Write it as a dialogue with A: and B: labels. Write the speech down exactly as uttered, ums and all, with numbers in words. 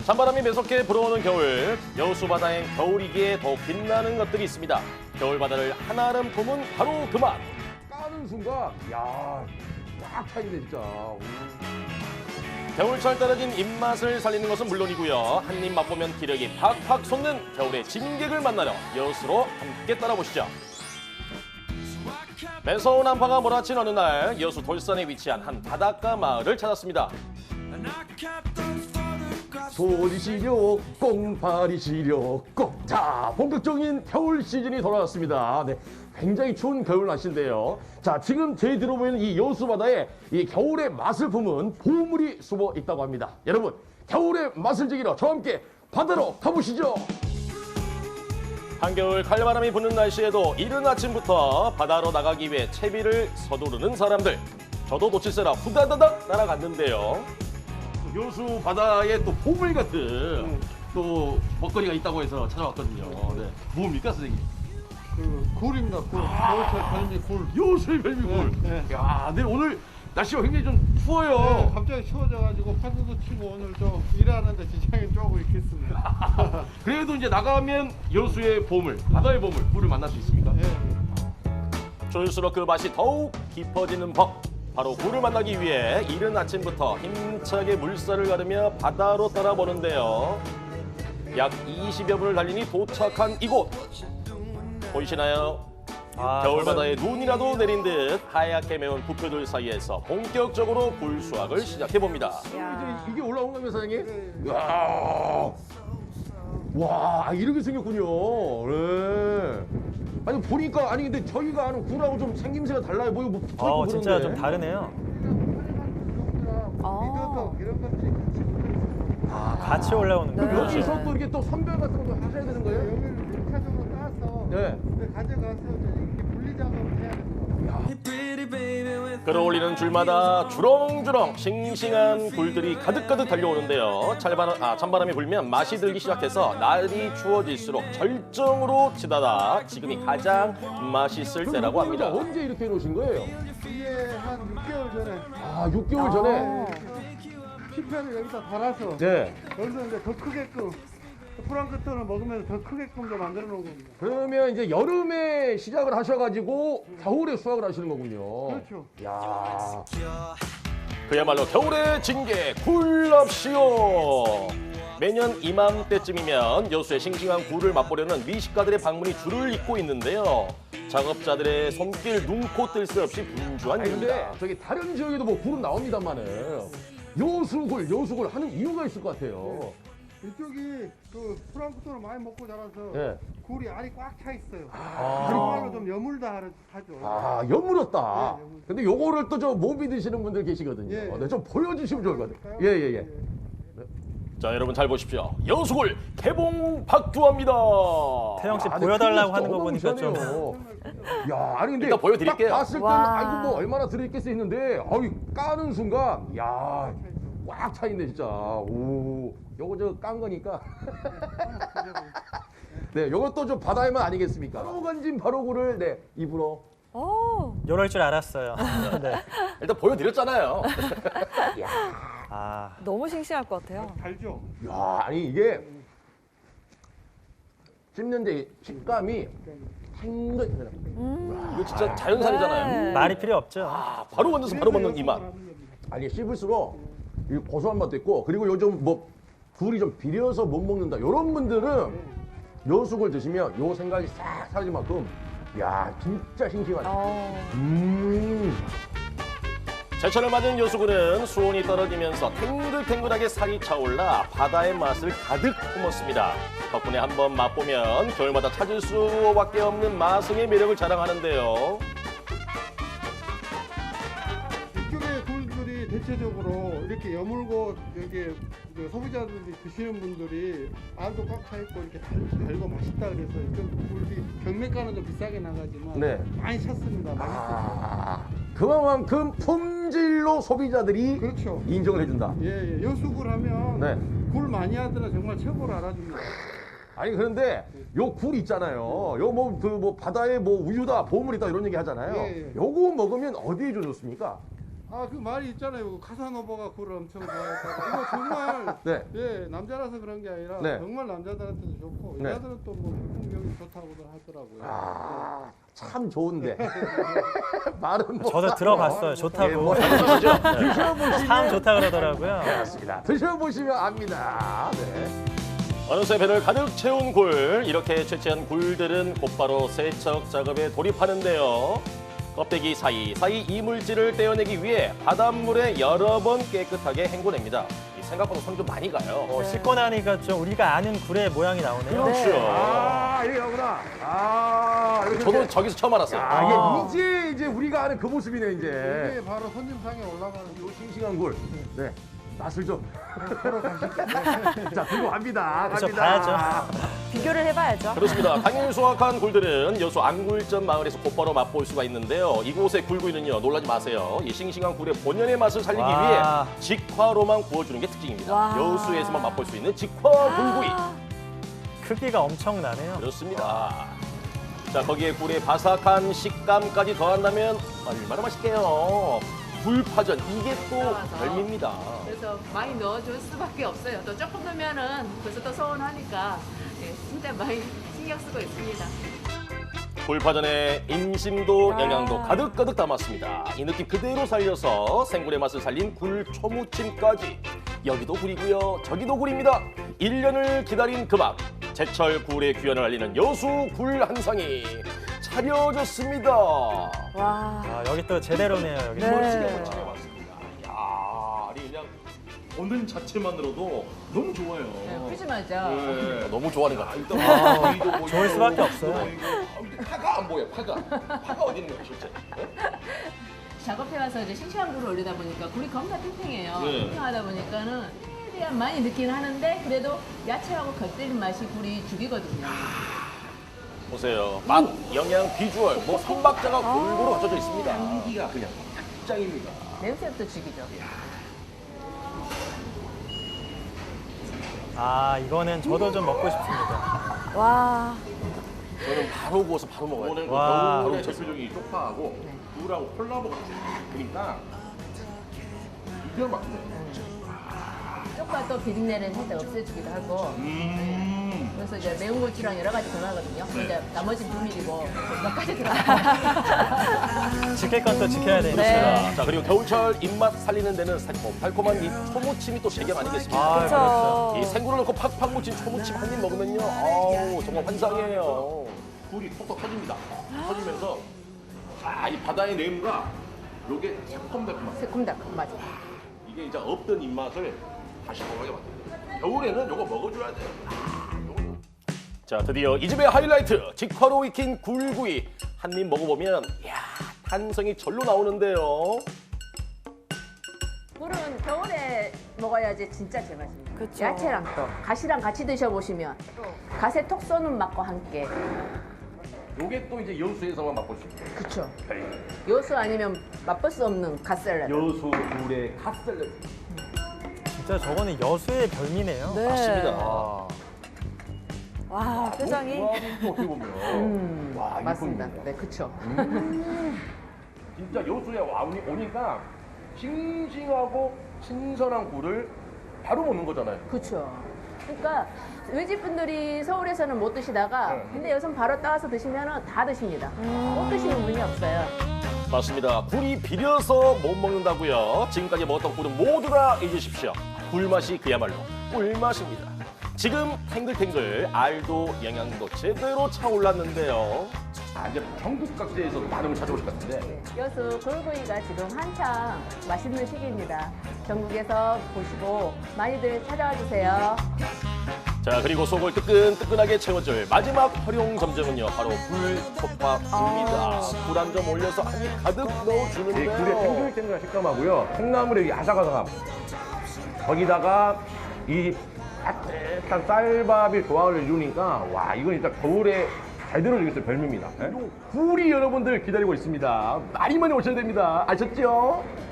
A: 찬바람이 매섭게 불어오는 겨울, 여수 바다엔 겨울이기에 더욱 빛나는 것들이 있습니다. 겨울 바다를 한아름 품은 바로 그 맛.
B: 까는 순간, 야, 꽉 차있네 진짜. 오.
A: 겨울철 떨어진 입맛을 살리는 것은 물론이고요. 한 입 맛보면 기력이 팍팍 솟는 겨울의 진객을 만나러 여수로 함께 따라보시죠. 매서운 한파가 몰아친 어느 날 여수 돌산에 위치한 한 바닷가 마을을 찾았습니다.
B: 소리 시려 꽁파리 시려 꽁. 자, 본격적인 겨울 시즌이 돌아왔습니다. 네, 굉장히 추운 겨울 날씨인데요. 자, 지금 저희 들어보이는 이 여수 바다에 이 겨울의 맛을 품은 보물이 숨어 있다고 합니다. 여러분, 겨울의 맛을 즐기러 저와 함께 바다로 가보시죠.
A: 한겨울 칼바람이 부는 날씨에도 이른 아침부터 바다로 나가기 위해 채비를 서두르는 사람들. 저도 놓칠세라 후다다닥 날아갔는데요. 여수 바다에 또 보물 같은 음. 또 먹거리가 있다고 해서 찾아왔거든요. 네. 뭡니까, 선생님?
C: 그 굴입니다. 굴. 겨울철 별미 굴.
A: 여수의 별미 굴.
C: 네, 네.
A: 야, 네, 오늘 날씨가 굉장히 좀 추워요.
C: 네, 갑자기 추워져가지고 파도도 치고 오늘 좀 일하는데 지장이 조금 있겠습니다.
A: 그래도 이제 나가면 여수의 보물, 바다의 보물, 굴을 만날 수 있습니까?
C: 네.
A: 추울수록 그 맛이 더욱 깊어지는 법. 바로 굴을 만나기 위해 이른 아침부터 힘차게 물살을 가르며 바다로 떠나보는데요. 약 이십여 분을 달리니 도착한 이곳. 보이시나요?
D: 아,
A: 겨울바다에 눈이라도 내린 듯 하얗게 매운 부표들 사이에서 본격적으로 굴 수확을 시작해봅니다.
B: 이제 이게 올라온 겁니다, 사장님? 이야. 와, 이렇게 생겼군요. 네. 아니, 보니까, 아니, 근데 저희가 아는 굴하고 좀 생김새가 달라요. 뭐, 이거 뭐 붙어있고
D: 어, 진짜
B: 그런데.
D: 좀 다르네요.
C: 미더덕 이런 것들이 같이 붙어있어요.
D: 아, 같이 올라오는
B: 그럼
D: 거예요.
B: 여기서 또 이렇게 또 선별 같은 것도 하셔야 되는 거예요?
C: 여기를 일차적으로 따서
B: 네.
C: 가져가서 이제 이렇게 분리 작업을 해야 됩니다.
A: 끌어올리는 줄마다 주렁주렁 싱싱한 굴들이 가득가득 달려오는데요. 찬바람, 아, 찬바람이 불면 맛이 들기 시작해서 날이 추워질수록 절정으로 치닫아 지금이 가장 맛있을 때라고 합니다.
B: 언제 이렇게 해놓으신 거예요?
C: 이게 한 육 개월 전에
B: 아, 육 개월 전에?
C: 피편을 여기다 달아서
B: 네.
C: 여기서 이제 더 크게끔 프랑크톤을 먹으면서 더 크게끔 좀 만들어 놓은 겁니다.
B: 그러면 이제 여름에 시작을 하셔가지고 겨울에 수확을 하시는 거군요.
C: 그렇죠.
B: 야.
A: 그야말로 겨울의 징계 굴럽시오. 매년 이맘때쯤이면 여수의 싱싱한 굴을 맛보려는 미식가들의 방문이 줄을 잇고 있는데요. 작업자들의 손길 눈코 뜰 새 없이 분주한
B: 아니, 근데
A: 일입니다.
B: 저기 다른 지역에도 뭐 굴은 나옵니다만은 여수굴, 여수굴 하는 이유가 있을 것 같아요.
C: 이쪽이 그 프랑크톤을 많이 먹고 자라서
B: 네.
C: 굴이 알이 꽉 차 있어요.
B: 아.
C: 정말로 좀 여물다 하죠.
B: 아, 여물었다.
C: 네, 여물.
B: 근데 요거를 또 저 못 믿으시는 분들 계시거든요.
C: 예.
B: 네, 좀 보여주시면 좋을 것 같아요. 예, 예, 예.
A: 자, 여러분 잘 보십시오. 여수굴 개봉 박두합니다.
D: 태영 씨
B: 아, 근데
D: 보여달라고
B: 크기가
D: 하는 거 보니까 좀.
B: 어마무시하네요. 야, 아니 근데
A: 일단 보여드릴게요.
B: 딱 봤을 때는
E: 와.
B: 아이고 뭐 얼마나 들어있겠어 했는데 어이 까는 순간 야, 꽉 차 있네 진짜. 오, 요거 저 깐 거니까. 네, 요것도 좀 바다의 맛 아니겠습니까? 바로 건진 바로굴을 네 입으로.
E: 오.
D: 이럴 줄 알았어요. 네.
A: 일단 보여드렸잖아요.
D: 아,
E: 너무 싱싱할 것 같아요.
C: 달죠?
B: 야, 아니 이게 씹는데 식감이 탱글.
A: 이거 진짜 자연산이잖아요.
E: 네.
D: 말이 필요 없죠.
A: 아, 바로 건져서 바로 먹는 이 맛.
B: 아니 씹을수록 이 고소한 맛도 있고 그리고 요즘 뭐 굴이 좀 비려서 못 먹는다 이런 분들은 여수굴 드시면 요 생각이 싹 사라질 만큼 야 진짜 싱싱하다.
E: 어.
B: 음.
A: 제철을 맞은 여수굴은 수온이 떨어지면서 탱글탱글하게 살이 차올라 바다의 맛을 가득 품었습니다. 덕분에 한번 맛보면 겨울마다 찾을 수밖에 없는 마성의 매력을 자랑하는데요.
C: 이쪽의 굴들이 대체적으로 이렇게 여물고 여기 그 소비자들이 드시는 분들이 알도 꽉 차 있고 이렇게 달, 달고 맛있다 그래서 이쪽 굴이 경매가는 좀 비싸게 나가지만
B: 네.
C: 많이 찼습니다. 맛있어요.
B: 아, 그만큼 품질로 소비자들이
C: 그렇죠.
B: 인정을 해준다.
C: 예, 예. 여수굴 하면
B: 네.
C: 굴 많이 하더라 정말 최고로 알아줍니다.
B: 아니 그런데 요 굴 있잖아요. 요 뭐 그 뭐 바다에 뭐 우유다 보물이다 이런 얘기 하잖아요.
C: 예, 예.
B: 요거 먹으면 어디에 좋습니까?
C: 아, 그 말이 있잖아요. 카사노바가 굴을 엄청 좋아했다고. 이거 정말
B: 네.
C: 예, 남자라서 그런 게 아니라
B: 네.
C: 정말 남자들한테도 좋고
B: 네.
C: 여자들은 또 뭐 풍경이 좋다고들 하더라고요.
B: 아, 참 좋은데. 말은 뭐.
D: 저도 들어봤어요. 좋다고.
B: 예, 뭐 드셔보시면.
D: 참 좋다 그러더라고요.
B: 그렇습니다. 드셔보시면 압니다. 네.
A: 어느새 배를 가득 채운 굴, 이렇게 채취한 굴들은 곧바로 세척 작업에 돌입하는데요. 껍데기 사이사이 이물질을 떼어내기 위해 바닷물에 여러 번 깨끗하게 헹궈냅니다. 이 생각보다 손이 좀 많이 가요.
D: 어, 씻고 나니까 좀 우리가 아는 굴의 모양이 나오네요.
A: 그렇죠.
B: 아, 이게 나구나. 아, 이렇게
A: 저도
B: 이제-
A: 저기서 처음 알았어요.
B: 아,
D: 아.
B: 이게 이제 이제 우리가 아는 그 모습이네 이제.
C: 이게 바로 손님상에 올라가는
B: 요 싱싱한 굴. 네. 맛을 좀.
C: 서로 가시죠.
B: 자, 들고 갑니다.
D: 그렇죠,
B: 갑니다.
E: 비교를 해봐야죠.
A: 그렇습니다. 당일 수확한 굴들은 여수 안굴점 마을에서 곧바로 맛볼 수가 있는데요. 이곳의 굴구이는요, 놀라지 마세요. 이 싱싱한 굴의 본연의 맛을 살리기
D: 와.
A: 위해 직화로만 구워주는 게 특징입니다.
E: 와.
A: 여수에서만 맛볼 수 있는 직화 굴구이.
E: 아,
D: 크기가 엄청나네요.
A: 그렇습니다. 자, 거기에 굴의 바삭한 식감까지 더한다면 얼마나 맛있게요. 굴파전, 이게 또 별미입니다.
F: 그래서 많이 넣어줄 수밖에 없어요. 또 조금 넣으면은 벌써 또 서운하니까 예, 진짜 많이 신경 쓰고 있습니다.
A: 굴파전에 인심도
E: 아.
A: 영양도 가득가득 담았습니다. 이 느낌 그대로 살려서 생굴의 맛을 살린 굴 초무침까지. 여기도 굴이고요, 저기도 굴입니다. 일 년을 기다린 그 맛. 제철 굴의 귀환을 알리는 여수 굴 한상이 차려졌습니다.
E: 와.
D: 아, 여기 또 제대로네요. 여기.
E: 네.
A: 멋지게 한번 차려봤습니다. 이야, 아니 그냥 보는 자체만으로도 너무 좋아요.
F: 네, 푸짐하죠.
A: 네, 너무 좋아하는 것 같아요. 일단 보이도 보이고,
D: 좋을 수밖에 없어요.
A: 보이고. 아, 근데 파가 안 보여, 파가. 파가 어디 있는 거야, 실제? 네?
F: 작업해 와서 이제 싱싱한 굴을 올리다 보니까 굴이 겁나 탱탱해요.
A: 네.
F: 탱탱하다 보니까는 최대한 많이 넣긴 하는데 그래도 야채하고 곁들인 맛이 굴이 죽이거든요.
A: 보세요. 맛, 영양, 비주얼, 뭐 삼박자가 골고루 갖춰져 있습니다. 향기가 그냥 짱입니다.
F: 냄새부터 죽이죠.
D: 아, 이거는 저도 좀 먹고 싶습니다.
E: 와.
A: 저는 바로 구워서 바로 먹어요. 오늘
D: 와.
A: 겨울에 대표적인 쪽파하고 굴하고 콜라보가 그러니까 이게 막혀요.
F: 쪽파 또 비린내를 살짝 없애주기도 하고
A: 음.
F: 그래서 이제 매운 고추랑 여러 가지 들어가거든요. 이제 나머지 비밀이고 몇 가지 들어가요.
D: 지킬 건 또 지켜야 되니까.
E: 네.
A: 자, 그리고 겨울철 입맛 살리는 데는 새콤 달콤한 이 초무침이 또 제격 아니겠습니까?
D: 아,
E: 그렇죠.
A: 이 생굴을 넣고 팍팍 묻힌 초무침 한 입 먹으면요, 아우 정말 환상이에요. 굴이 톡톡 터집니다. 터지면서 아, 이 바다의 내음과 요게 새콤달콤한
F: 새콤달콤 맞아.
A: 이게 이제 없던 입맛을 다시 먹게 만듭니다. 겨울에는 요거 먹어줘야 돼요. 아, 요거. 자, 드디어 이 집의 하이라이트 직화로 익힌 굴구이 한 입 먹어보면 이야, 탄성이 절로 나오는데요.
F: 굴은 겨울에 먹어야지 진짜 제맛입니다.
E: 그쵸.
F: 야채랑 또 가시랑 같이 드셔보시면 갓에 톡 쏘는 맛과 함께.
A: 요게 또 이제 여수에서만 맛볼 수 있는
F: 그쵸.
A: 별미.
F: 요수 아니면 맛볼 수 없는 갓샐러드.
A: 여수 굴의 갓샐러드.
D: 진짜 저거는 여수의 별미네요.
E: 네.
A: 맞습니다.
D: 아,
E: 와, 표정이.
A: 와, 또 어떻게 보면
F: 음,
A: 와, 이게
F: 맞습니다.
A: 보이네요.
F: 네, 그쵸.
A: 진짜 여수에 와 오니까 싱싱하고 신선한 굴을 바로 먹는 거잖아요.
F: 그쵸. 그러니까 외집 분들이 서울에서는 못 드시다가
A: 네.
F: 근데 여기서 바로 따와서 드시면 다 드십니다. 못 드시는 분이 없어요.
A: 맞습니다. 굴이 비려서 못 먹는다고요. 지금까지 먹었던 굴은 모두 다 잊으십시오. 굴맛이 그야말로 꿀맛입니다. 지금 탱글탱글 알도 영양도 제대로 차올랐는데요. 아, 이제 전국 각지에서 많은 걸 찾아오실 것 같은데.
F: 여수 굴구이가 지금 한창 맛있는 시기입니다. 전국에서 보시고 많이들 찾아와 주세요.
A: 자, 그리고 속을 뜨끈뜨끈하게 채워줄 마지막 활용 점정은요, 바로 굴솥밥입니다. 굴 한 점 올려서 한 입 가득
B: 이
A: 넣어주는데요.
B: 굴의 탱글탱글한 식감하고요. 콩나물의 이 아삭아삭함. 거기다가 이 따뜻한 쌀밥이 조화를 이루니까 와, 이건 진짜 겨울에 제대로 되겠어요. 별미입니다. 예? 굴이 여러분들 기다리고 있습니다. 많이 많이 오셔야 됩니다. 아셨죠?